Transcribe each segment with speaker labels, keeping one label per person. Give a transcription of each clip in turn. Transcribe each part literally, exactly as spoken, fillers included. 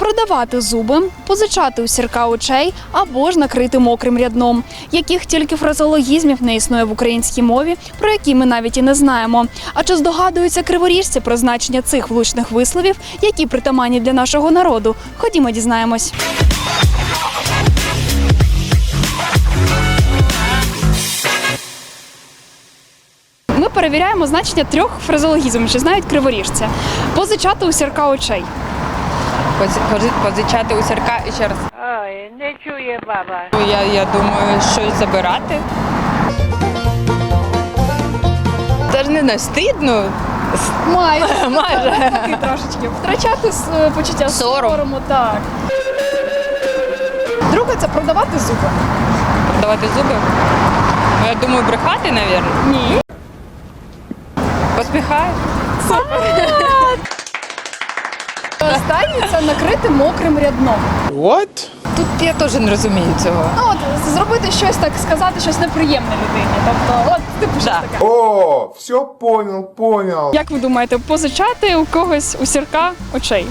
Speaker 1: продавати зуби, позичати у сірка очей або ж накрити мокрим рядном. Яких тільки фразеологізмів не існує в українській мові, про які ми навіть і не знаємо. А чи здогадуються криворіжці про значення цих влучних висловів, які притаманні для нашого народу? Ходімо, дізнаємось. Ми перевіряємо значення трьох фразеологізмів, чи знають криворіжці. Позичати у сірка очей.
Speaker 2: Позичати у сірка і ще раз.
Speaker 3: Ой, не чує баба.
Speaker 2: Я, я думаю, щось забирати. Це ж не знаю, стидно.
Speaker 1: Майже.
Speaker 2: Майже.
Speaker 1: Такий трошечки. Втрачати е, почуття
Speaker 2: Сором.
Speaker 1: сорому, так. Друге – це продавати зуби.
Speaker 2: Продавати зуби. Ну, я думаю, брехати, мабуть.
Speaker 1: Ні.
Speaker 2: Посміхаю.
Speaker 1: Останнє – це накрити мокрим рядном.
Speaker 4: What?
Speaker 2: Тут я теж не розумію цього.
Speaker 1: Ну, от, зробити щось, так сказати, щось неприємне людині. Тобто, от, типу, щось
Speaker 2: Да.
Speaker 1: таке.
Speaker 4: О, все понял, понял.
Speaker 1: Як ви думаєте, позичати у когось у сірка очей?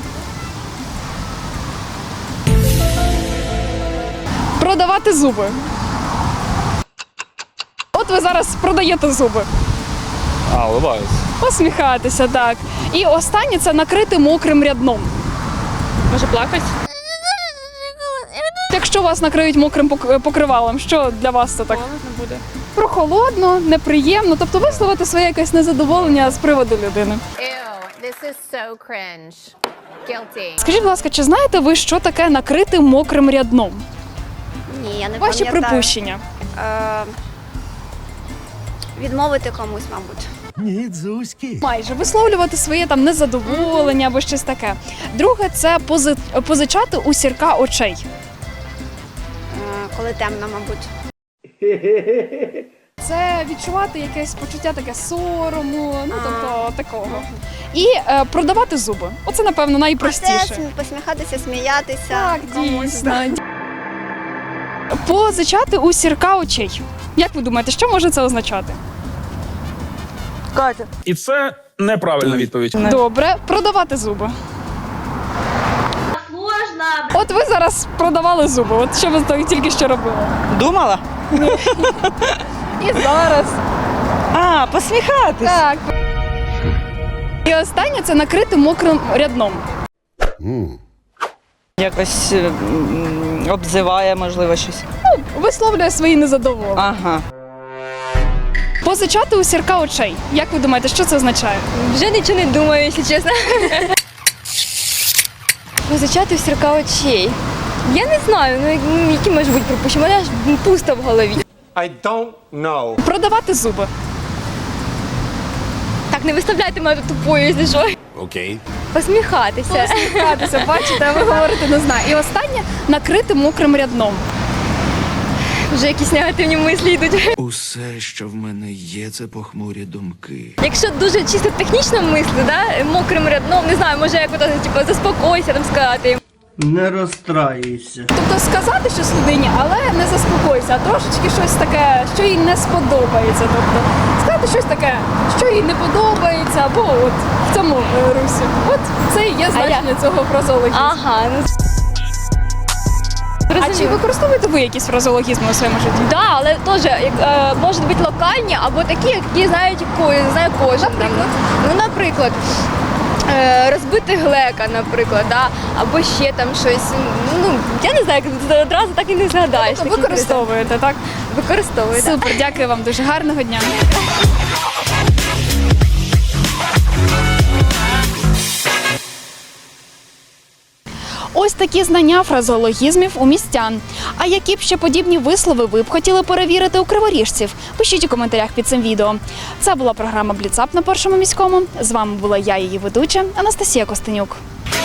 Speaker 1: Продавати зуби. От ви зараз продаєте зуби.
Speaker 5: А, улыбаюсь.
Speaker 1: Посміхатися, так. І останнє – це накрити мокрим рядном.
Speaker 2: Може плакати?
Speaker 1: Якщо вас накриють мокрим пок- покривалом, що для вас це так?
Speaker 2: Холодно буде.
Speaker 1: Прохолодно, неприємно, тобто висловити своє якесь незадоволення з приводу людини.
Speaker 6: Ew, this is so cringe. Guilty.
Speaker 1: Скажіть, будь ласка, чи знаєте ви, що таке накрити мокрим рядном?
Speaker 7: Ні, я не
Speaker 1: Ваші
Speaker 7: пам'ятаю.
Speaker 1: припущення.
Speaker 7: Е, відмовити комусь, мабуть.
Speaker 1: Майже висловлювати своє там незадоволення або щось таке. Друге – це пози- позичати у сірка очей.
Speaker 7: Е, коли темно, мабуть.
Speaker 1: Це відчувати якесь почуття таке сорому, ну тобто такого. І е, продавати зуби. Оце, напевно,
Speaker 7: Це
Speaker 1: найпростіше.
Speaker 7: смі- посміхатися, сміятися.
Speaker 1: Так,
Speaker 7: комусь.
Speaker 1: дійсно. Позичати у сірка очей. Як ви думаєте, що може це означати?
Speaker 2: Катя.
Speaker 5: І це неправильна відповідь.
Speaker 1: Добре, продавати зуби. От ви зараз продавали зуби. От що ви то- тільки що робили?
Speaker 2: Думала?
Speaker 1: І зараз.
Speaker 2: А, посміхатись.
Speaker 1: Так. І останнє – це накрити мокрим рядном.
Speaker 2: Якось м, обзиває, можливо, щось.
Speaker 1: Висловлює свої незадоволення.
Speaker 2: Ага.
Speaker 1: Позичати у сірка очей. Як ви думаєте, що це означає?
Speaker 8: Вже нічого не думаю, якщо чесно. Позичати в сірка очей. Я не знаю, ну ну, які можуть бути припущення. У мене аж пусто в голові.
Speaker 4: I don't know.
Speaker 1: Продавати зуби.
Speaker 8: Так, не виставляйте мене тупою, якщо що.
Speaker 4: Окей.
Speaker 8: Посміхатися.
Speaker 1: Посміхатися, бачите, а ви говорите не знаю. І останнє – накрити мокрим рядном.
Speaker 8: Вже якісь негативні мислі йдуть.
Speaker 9: Усе, що в мене є, це похмурі думки.
Speaker 8: Якщо дуже чисто технічно мислити, да, мокрим рядном, не знаю, може як ото, типу, заспокойся, там сказати.
Speaker 10: Не розстраюйся.
Speaker 1: Тобто сказати щось людині, але не заспокойся, а трошечки щось таке, що їй не сподобається. Тобто сказати щось таке, що їй не подобається, або от в цьому е, русі. От це і є значення цього фразеологізму.
Speaker 8: Ага, ну
Speaker 1: А чи використовуєте ви якісь фразеологізми у своєму житті?
Speaker 8: да, але теж як, е, можуть бути локальні або такі, які знають ко- знає кожен.
Speaker 1: Наприклад?
Speaker 8: Ну, наприклад, е, розбити глека, наприклад, да? Або ще там щось. Ну, я не знаю, як одразу так і не згадаєш.
Speaker 1: Тобто
Speaker 8: такі
Speaker 1: використовуєте, так?
Speaker 8: призови. Використовую, так.
Speaker 1: Супер, дякую вам дуже. Гарного дня. Ось такі знання фразеологізмів у містян. А які б ще подібні вислови ви б хотіли перевірити у криворіжців? Пишіть у коментарях під цим відео. Це була програма «Бліцап» на Першому міському. З вами була я, її ведуча, Анастасія Костенюк.